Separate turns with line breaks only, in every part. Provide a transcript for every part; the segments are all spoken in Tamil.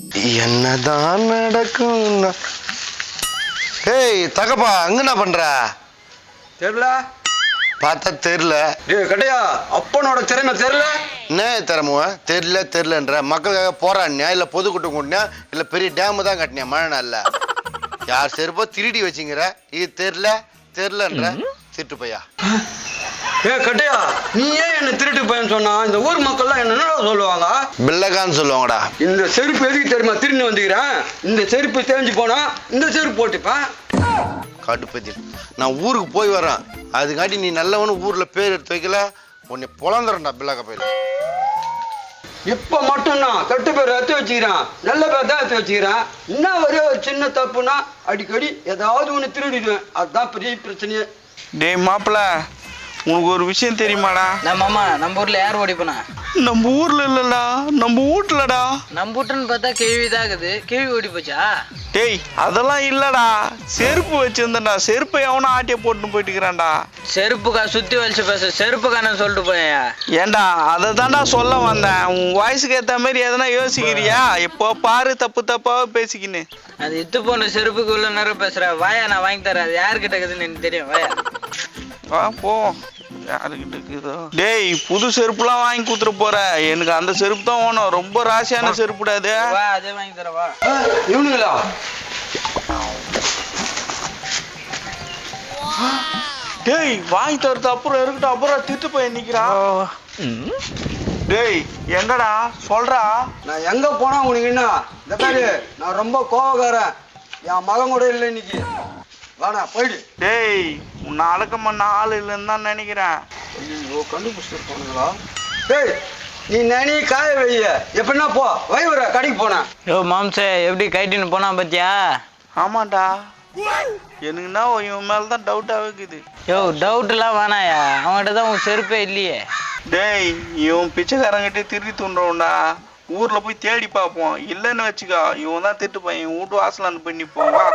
என்னதான் நடக்கும்? ஏய் தகப்பா, அங்க என்ன பண்ற?
தெரியல.
பார்த்தா தெரியல.
கடையா அப்பனோட திறமை தெரியல.
என்ன திறமுவ? தெரியலன்ற மக்களுக்காக போராடினியா இல்ல பொதுக்கூட்டம் கூட்டினியா இல்ல பெரிய டேம் தான் கட்டினியா மழை நாள்ல? யார் செருப்போ திருடி வச்சுங்கிற? இது தெரியலன்ற திருட்டு பையா.
கட்டையா, நீ ஏன் என்ன திருட்டு பையன் சொன்னா? இந்த ஊர் மக்கள்லாம் என்ன சொல்லுவாங்க?
பிள்ளைக்கான்னு சொல்லுவாங்கடா.
இந்த செருப்பு எதுக்கு தெரியுமா திரும்பி வந்துக்கிறேன்? இந்த செருப்பு தேஞ்சு போனா இந்த செருப்பு போட்டுப்பேன்.
கடுப்பத்தி நான் ஊருக்கு போய் வரேன், அதுக்காட்டி நீ நல்லவனு ஊர்ல பேர் எடுத்து வைக்கல, உன்னை பொழந்துறேன்டா பிள்ளைக்க பையில.
இப்ப மட்டும்தான் கெட்டு பேர் எடுத்து வச்சுக்கிறேன், நல்ல பேர் தான் எடுத்து வச்சுக்கிறேன். இன்னும் ஒரே ஒரு சின்ன தப்புனா அடிக்கடி ஏதாவது ஒன்று திருடிடுவேன். அதுதான் பெரிய பிரச்சனையே.
டேய் மாப்பிள்ள, உனக்கு ஒரு விஷயம் தெரியுமாடா?
நம்ம ஊர்ல யார் ஓடி போனா?
நம்ம ஊர்ல இல்லடா, நம்ம வீட்டுலடா.
நம்ம வீட்டுன்னு பார்த்தா கேள்விதான் இருக்குது. கேள்வி ஓடி போச்சா?
டேய் அதெல்லாம் இல்லடா, செருப்பு வச்சிருந்தா செருப்பை எவனா ஆட்டிய போட்டுன்னு போயிட்டுக்கிறான்டா.
செருப்புக்கா சுத்தி வலிச்சு பேச செருப்புக்கான சொல்லிட்டு போயா?
ஏண்டா அதை தாண்டா சொல்ல வந்தேன். உன் வயசுக்கு ஏத்த மாதிரி எதனா யோசிக்கிறியா? இப்போ பாரு தப்பு தப்பாவே பேசிக்கின்னு.
அது இத்து போன செருப்புக்கு உள்ள நேரம் பேசுற. வாயா, நான் வாங்கி தரேன். அது யாருக்கிட்ட இருக்குதுன்னு எனக்கு தெரியும். வாயா
வா போ. யாருக்கிட்ட இருக்குதோ? டேய் புது செருப்புலாம் வாங்கி கொடுத்துட்டு போற, எனக்கு அந்த செருப்பு தான் வேணும். ரொம்ப ராசியான செருப்புடாது.
வா, அதே வாங்கி தரேன். வா.
இவனுங்களா?
டேய் வாங்கி தரது அப்புறம் இருக்கட்டும், அப்புறம் திட்டு போய் நிக்கிறான். டேய் எங்கடா சொல்றா?
நான் எங்க போனா உனக்கு என்ன? இந்த பாரு, நான் ரொம்ப கோவக்காரன். என் மகன் கூட இல்லை இன்னைக்கு. வாடா போயிடு.
டேய் உன்னை அடக்கம் பண்ண ஆள் இல்லைன்னு தான் நினைக்கிறேன்.
ஐயோ, கண்டுபிடிச்சிருப்பானுங்களா? டேய் நீ நனி காய வைய. எப்படின்னா போ, வைவர கடைக்கு போனேன்.
யோ மாம்சே, எப்படி கைட்டின்னு போனா பாத்தியா?
ஆமாண்டா, எனக்குன்னா இவன் மேலதான் டவுட்டாக இருக்குது.
யோ டவுட் எல்லாம் வேணாயா, அவன்கிட்ட தான் உன் செருப்பே இல்லையே.
டேய் இவன் பிச்சைக்காரங்கிட்டே திருடி தூண்டுறோம்டா. ஊர்ல போய் தேடி பார்ப்போம், இல்லைன்னு வச்சுக்கோ இவன் தான் திட்டு பையன். இவன் வீட்டு வாசலான்னு போய் நிற்போம். வா.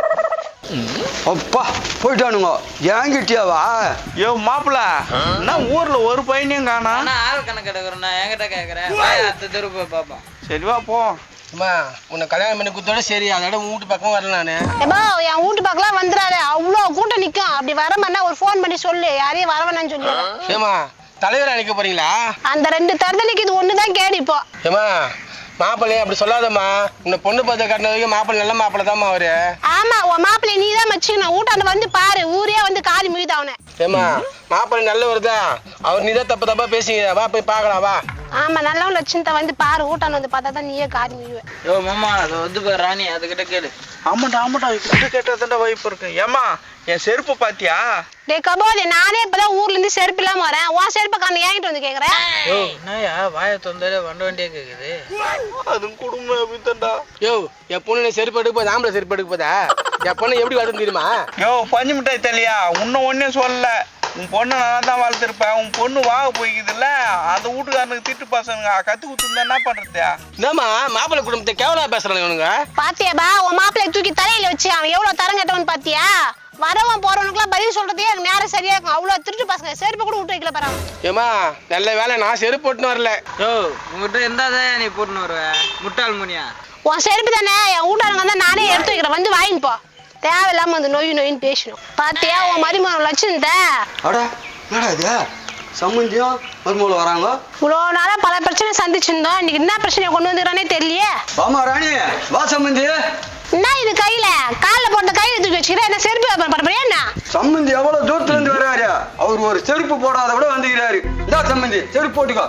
அப்பா போயிட்டானுங்க. ஏங்கிட்டியாவா?
யோ மாப்பிள்ள, என்ன ஊர்ல ஒரு பையனையும் காணா?
ஆள் கணக்கு எடுக்கிறேன், நான் என்கிட்ட கேட்கறேன். வாயா, அடுத்த தெரு போய் பார்ப்போம்.
சரி வா போ.
அம்மா உன்னை கல்யாணம் பண்ணி கொடுத்தோட சரி, அதோட உன் வீட்டு பக்கம் வரல. நானு
என் வீட்டு பக்கம் வந்துடாது, அவ்வளவு கூட்டம் நிக்கும். அப்படி வர மாதிரி ஒரு போன் பண்ணி சொல்லு, யாரையும் வர வேணாம்னு சொல்லு.
ஏமா தலைவர் அழைக்க போறீங்களா?
அந்த 2 தருதலைக்கு இது ஒண்ணுதான் கேடு. இப்போ
ஏமா மாப்பிள்ளைய அப்படி சொல்லாதம்மா. உன்னை பொண்ணு பார்த்து கட்டின வரைக்கும் மாப்பிள்ளை நல்ல மாப்பிள்ளை தான்மா அவரு.
ஆமா, உன் மாப்பிள்ளை நீ தான் வச்சுக்கணும். வீட்டாண்ட வந்து பாரு, ஊரே வந்து காலி முகிது அவனை.
ஏமா மாப்பிள்ளை நல்லவர் தான், அவர் நீ தான் தப்பு தப்பா பேசிங்க. வா போய் பார்க்கலாம் வா.
ஆமா, நல்லவன் லட்சணத்தை வந்து பாரு, வீட்டாண்ட வந்து பார்த்தா தான் நீயே காலி முகிடுவேன்.
யோ மாமா, அது வந்து பாரு ராணி, அதுகிட்ட கேளு.
ஆமாண்டா இப்படி கேட்டதாண்டா வாய்ப்பு இருக்கு. ஏமா என் செருப்பு பாத்தியா?
டே கபோதே, நானே இப்பதான் ஊர்ல இருந்து செருப்பு இல்லாம வரேன். உன் செருப்பை காண ஏங்கிட்டு வந்து கேக்குறேன்.
யோ என்னயா வாயை தொந்தாலே வண்டியே கேக்குது?
அதுவும் குடும்பம் அப்படித்தான்டா.
யோ என் பொண்ணு செருப்பு எடுக்க போதா, ஆம்பளை செருப்பு எடுக்க போதா? என் பொண்ணு எப்படி வளர்த்து தெரியுமா?
யோ பஞ்சு மிட்டாய் தெரியலையா? இன்னும் ஒன்னே சொல்லல. உன் பொண்ணு நல்லா தான் வளர்த்துருப்பேன். உன் பொண்ணு வாக போய்க்குதுல்ல, அந்த வீட்டுக்காரனுக்கு திட்டு பசங்க கத்து குத்துருந்தா என்ன பண்றது?
என்னம்மா மாப்பிள்ளை குடும்பத்தை கேவலா பேசுறாங்க இவனுங்க.
பாத்தியாபா, உன் மாப்பிள்ளை தூக்கி தலையில வச்சு அவன் எவ்வளவு தரம் கட்டவன் பாத்தியா? வரவன் போறவனுக்குலாம் பதில் சொல்றதே எனக்கு நேரம் சரியா இருக்கும். அவ்வளவு திருட்டு பசங்க, செருப்பு கூட விட்டு வைக்கல பாரு.
ஏமா நல்ல வேலை நான் செருப்பு போட்டுன்னு வரல.
யோ உங்ககிட்ட இருந்தாதான் நீ போட்டுன்னு வருவ, முட்டாள் முனியா.
உன் செருப்பு தானே, என் வீட்டாளுங்க தான், நானே எடுத்து வைக்கிறேன், வந்து வாங்கின்னு போ. தேவையில்லாம வந்து நொயின்னு பேசணும். பாத்தியா உன் மருமகன் லட்சணத்தை?
அடா என்னடா இது? சம்மந்தியும் மருமகள் வராங்க.
இவ்வளோ நாளா பல பிரச்சனை சந்திச்சிருந்தோம், இன்னைக்கு என்ன பிரச்சனையை கொண்டு வந்துக்கிறானே தெரியலையே.
வாமா ராணி, வா சம்மந்தி.
என்ன இது கையில காலில் போட்ட கையில தூக்கி வச்சுக்கிறேன்? என்ன செருப்பு வியாபாரம் பண்ண போறியா என்ன?
சம்மந்தி எவ்வளவு தூரத்துல இருந்து வர்றாரு. அவர் ஒரு செருப்பு போடாத விட வந்துக்கிறாரு. இந்த சம்மந்தி செருப்பு போட்டுக்கோ.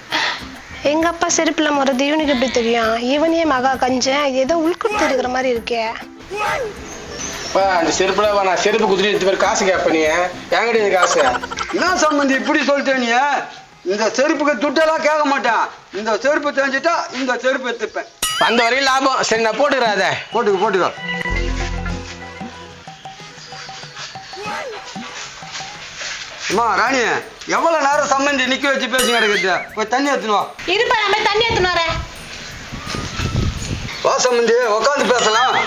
எங்க அப்பா செருப்புல முறது இவனுக்கு எப்படி தெரியும்? இவனே மகா கஞ்சன், இது ஏதோ உள்குடுத்து இருக்கிற மாதிரி இருக்கே.
அந்த செருப்புல நான் செருப்பு குத்துட்டு பேர் காசு கேட்ப நீ என்கிட்ட காசு.
என்ன சம்மந்தி இப்படி சொல்லிட்டே நீ? இந்த செருப்புக்கு துட்டெல்லாம் கேட்க மாட்டேன். இந்த செருப்பு தெரிஞ்சுட்டா இந்த செருப்பு எடுத்துப்பேன்.
அந்த வரையும் லாபம். சரி நான் போட்டுக்கிறேன். அதை
போட்டுக்கோ. அம்மா ராணி, எவ்வளவு நேரம் சம்மந்தி நிக்க வச்சு பேசி கிடக்குது? போய் தண்ணி எடுத்துன்னு வா.
இருப்பா, நான் போய் தண்ணி எடுத்துன்னு வரேன்.
வா சம்மந்தி, உட்காந்து பேசலாம்.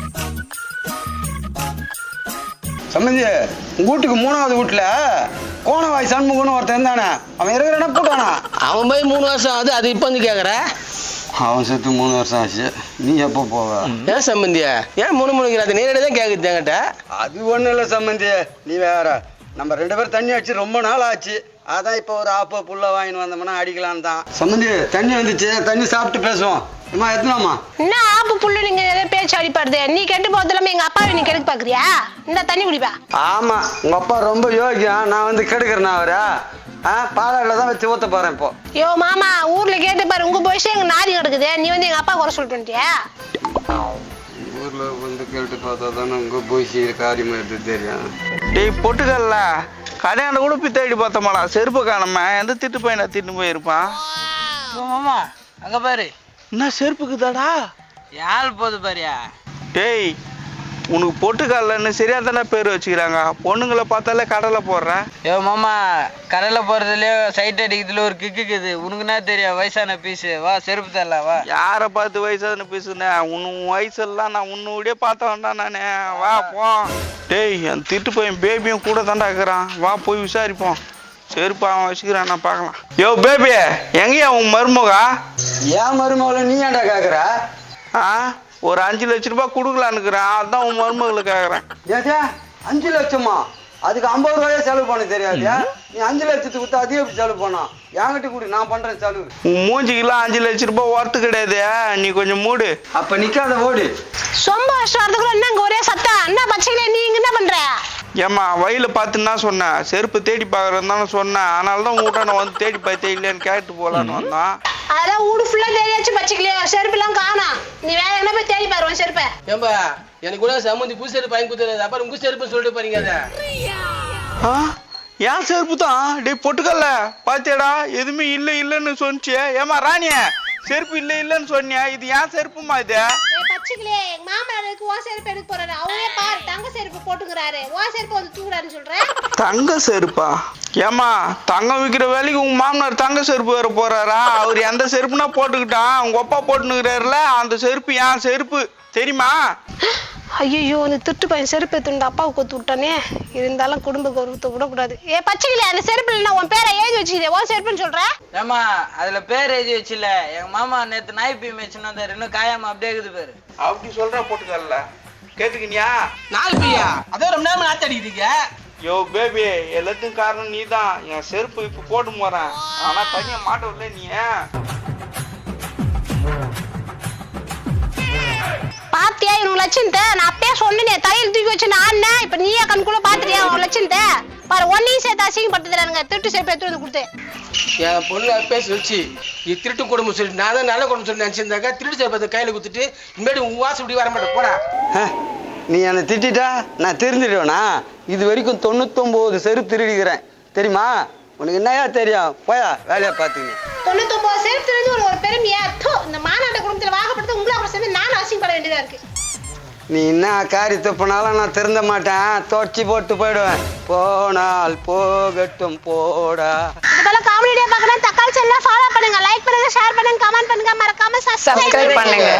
சம்மந்தி, உங்க வீட்டுக்கு 3வது வீட்டுல கோணவாய் சண்முகன்னு ஒருத்தன் இருந்தானே, அவன் இருக்கிறானா போட்டானா?
அவன் போய் 3 வருஷம் ஆகுது. அது இப்போ வந்து கேட்குற?
அவன் செத்து 3 வருஷம் ஆச்சு. நீ எப்போ போவ?
ஏன் சம்பந்தியா ஏன் முணுமுணுங்கிறாது நேரடியாக தான் கேட்குது என்கிட்ட.
அது ஒன்றும் இல்லை சம்பந்தி, நீ வேற. நம்ம 2 பேரும் தண்ணி அடிச்சு ரொம்ப நாள் ஆச்சு. அதான் இப்போ ஒரு ஆப்போ புல்ல வாங்கின்னு வந்தோம்னா அடிக்கலான்னு தான். சம்பந்தி தண்ணி வந்துச்சு, தண்ணி சாப்பிட்டு பேசுவோம். அம்மா எத்தனாமா?
என்ன ஆப்பு புல்லு நீங்க ஏதோ பேச்சு அடிப்படுது. நீ கெட்டு போதில்லாம எங்க அப்பாவை நீ கெடுக்க பாக்குறியா? இந்த தண்ணி குடிப்பா.
ஆமா, உங்க அப்பா ரொம்ப யோகியம். நான் வந்து கெடுக்கிறேன் அவரா? பாலாடுல தான் வச்சு ஊத்த போறேன் இப்போ.
யோ மாமா, ஊர்ல கேட்டு பாரு, உங்க போயிச்சு எங்க நாரி கிடக்குது. நீ வந்து எங்க அப்பா குறை சொல்லிட்டு வந்துட்டியா?
ஊர்ல வந்து கேட்டு பார்த்தா தானே உங்க போயிச்சு காரியமா எடுத்து தெரியும்.
டேய் பொட்டுக்கல்ல கடையாண்ட கூட போய் தேடி பார்த்தோமாடா, செருப்பு காணாம. எந்த திட்டு பையனை திட்டு போயிருப்பான்.
மாமா அங்க பாரு,
என்ன செருப்புக்குதாடா?
யாழ் போது பாரியா.
டேய் உனக்கு பொட்டுக்கல்லன்னு சரியா தானே பேர் வச்சுக்கிறாங்க. பொண்ணுங்களை பார்த்தாலே கடலை போடுறேன்.
யோ மாமா, கடையில் போகிறதுலையோ சைட் அடிக்கிறதுல ஒரு கிக்குது. உனக்கு என்ன தெரியும்? வயசான பீஸு. வா செருப்பு தரல வா.
யாரை பார்த்து வயசான பீஸுண்ணே? உன் வயசெல்லாம் நான் உன்னுடைய பார்த்த வேண்டாம் நானே. வா போ. டேய் என் திட்டு பையன் பேபியும் கூட தாண்டா இருக்கிறான். வா போய் விசாரிப்போம். செருப்பு அவன் வச்சுக்கிறான், நான் பார்க்கலாம். யோ பேபி, எங்கேயா உன் மருமகா?
ஏன் மருமகளை நீ ஏன்டா கேக்குற?
ஒரு 5 லட்ச ரூபாய் கொடுக்கலான்னுக்குறேன். அதான் உன் மருமகளை கேட்குறேன்.
ஏதா 5 லட்சமா? அதுக்கு 50 ரூபாயே செலவு பண்ண தெரியாதியா? நீ 5 லட்சத்துக்கு கொடுத்தா அதிகம் எப்படி செலவு பண்ணா? என்கிட்ட கூட நான் பண்றேன் செலவு.
உன் மூஞ்சிக்கெல்லாம் 5 லட்ச ரூபாய் ஒர்த்து கிடையாது. நீ கொஞ்சம் மூடு.
அப்ப நிக்காத ஓடு.
சொம்ப வருஷத்துக்குள்ள என்ன இங்க ஒரே சத்தம்? என்ன பச்சைகளே நீ இங்க என்ன பண்ற?
ஏம்மா வயல பார்த்துன்னா சொன்னேன், செருப்பு தேடி பார்க்குறேன்னு தானே சொன்னேன். அதனால தான் உங்கள்கிட்ட நான் வந்து தேடி பார்த்தேன் இல்லையான்னு கேட்டு போகலான்னு வந்தான்.
அதெல்லாம் ஊடு ஃபுல்லா தேடியாச்சு பச்சைகளே, செருப்பு எல்லாம் காணோம். நீ வேற என்ன போய் தேடி பாருவோம் செருப்பை.
ஏன்பா எனக்கு கூட சம்பந்தி புது செருப்பு வாங்கி கொடுத்துருது. அப்புறம் உங்க செருப்புன்னு சொல்லிட்டு பாருங்க. அதை
ஏன் செருப்பு தான்? டே பொட்டுக்கல்ல பாத்தியாடா, எதுவுமே இல்லை இல்லைன்னு சொன்னிச்சு. ஏமா ராணிய செருப்பு இல்லை இல்லைன்னு சொன்னியா? இது ஏன் செருப்புமா? இது
பச்சைகளே, எங்க மாமனாருக்கு ஓ செருப்பு எடுக்க போறாரு. அவரே பாரு தங்க செருப்பு போட்டுக்கிறாரு. ஓ செருப்பு வந்து தூக்குறாருன்னு சொல்றேன்.
தங்க செருப்பா? ஏமா தங்கம் விற்கிற வேலைக்கு உங்க மாமனார் தங்க செருப்பு வேற போறாரா? அவர் எந்த செருப்புனா போட்டுக்கிட்டான். உங்க அப்பா போட்டுனுக்கிறாருல, அந்த செருப்பு ஏன் செருப்பு தெரியுமா?
ஐயோ, அந்த திட்டு பையன் செருப்பு எடுத்துட்டு அப்பாவுக்கு கொத்து விட்டானே. இருந்தாலும் குடும்ப கௌரவத்தை விடக்கூடாது. பச்சைகளே, அந்த செருப்பு இல்லைன்னா உன் பேரை எழுதி வச்சுக்கிதே, ஓ செருப்புன்னு சொல்ற.
ஏமா அதுல பேர் எழுதி வச்சுல. எங்க மாமா நேத்து நாய் பீ மேய்ச்சுன்னு வந்தாரு. இன்னும் காயாம அப்படியே இருக்குது பேரு.
அப்படி சொல்ற பொட்டுக்கல்ல கேட்டுக்கினியா?
4 பையா அதே ரொம்ப நேரம் நாத்து அடிக்கிறீங்க.
யோ பேபி, எல்லாத்துக்கும் காரணம் நீ தான். என் செருப்பு இப்ப போட்டு போறேன், ஆனா தனியா மாட்டவில்லை நீ.
பாத்தியா இவங்க லட்சணத்தை? நான் அப்பயே சொன்னேன் தலையில் தூக்கி வச்சு நான். இப்ப நீயே கண்குள்ள பாத்துறியா உன் லட்சணத்தை? பாரு, ஒன்னையும் சேர்த்து அசிங்கப்படுத்துறானுங்க. திருட்டு செருப்பு எடுத்து வந்து கொடுத்து
என் பொண்ணு பேசி வச்சு இது திருட்டு குடும்பம் சொல்லிட்டு நான் தான் நல்ல குடும்பம் சொல்லி நினைச்சிருந்தாக்க திருட்டு செருப்பத்தை கையில குத்துட்டு இனிமேட்டு உன் வாசம் இப்படி வர மாட்டேன் போடா.
நீ என்னை திட்டா நான் தெரிஞ்சிடுவேனா? இது வரைக்கும் 99 செருப்பு திருடிக்கிறேன் தெரியுமா? உனக்கு என்னையா தெரியும்? போயா வேலையா பாத்துங்க.
99 செருப்பு திருடி ஒரு பெருமையா? இந்த மாநாட்ட குடும்பத்துல வாகப்படுத்த உங்களை அப்புறம் சேர்ந்து நானும் அசிங்கப்பட வேண்டியதா இருக்கு.
நீ என்ன காரியத்தை பண்ணாலும் நான் திருந்த மாட்டேன். தொடச்சி போட்டு போயிடுவேன். போனால் போகட்டும் போடா.
இதெல்லாம் காமெடியா பார்க்கணும். தக்காளி சேனலை ஃபாலோ பண்ணுங்க, லைக் பண்ணுங்க, ஷேர் பண்ணுங்க, கமெண்ட் பண்ணுங்க, மறக்காம சப்ஸ்கிரைப் பண்ணுங்க.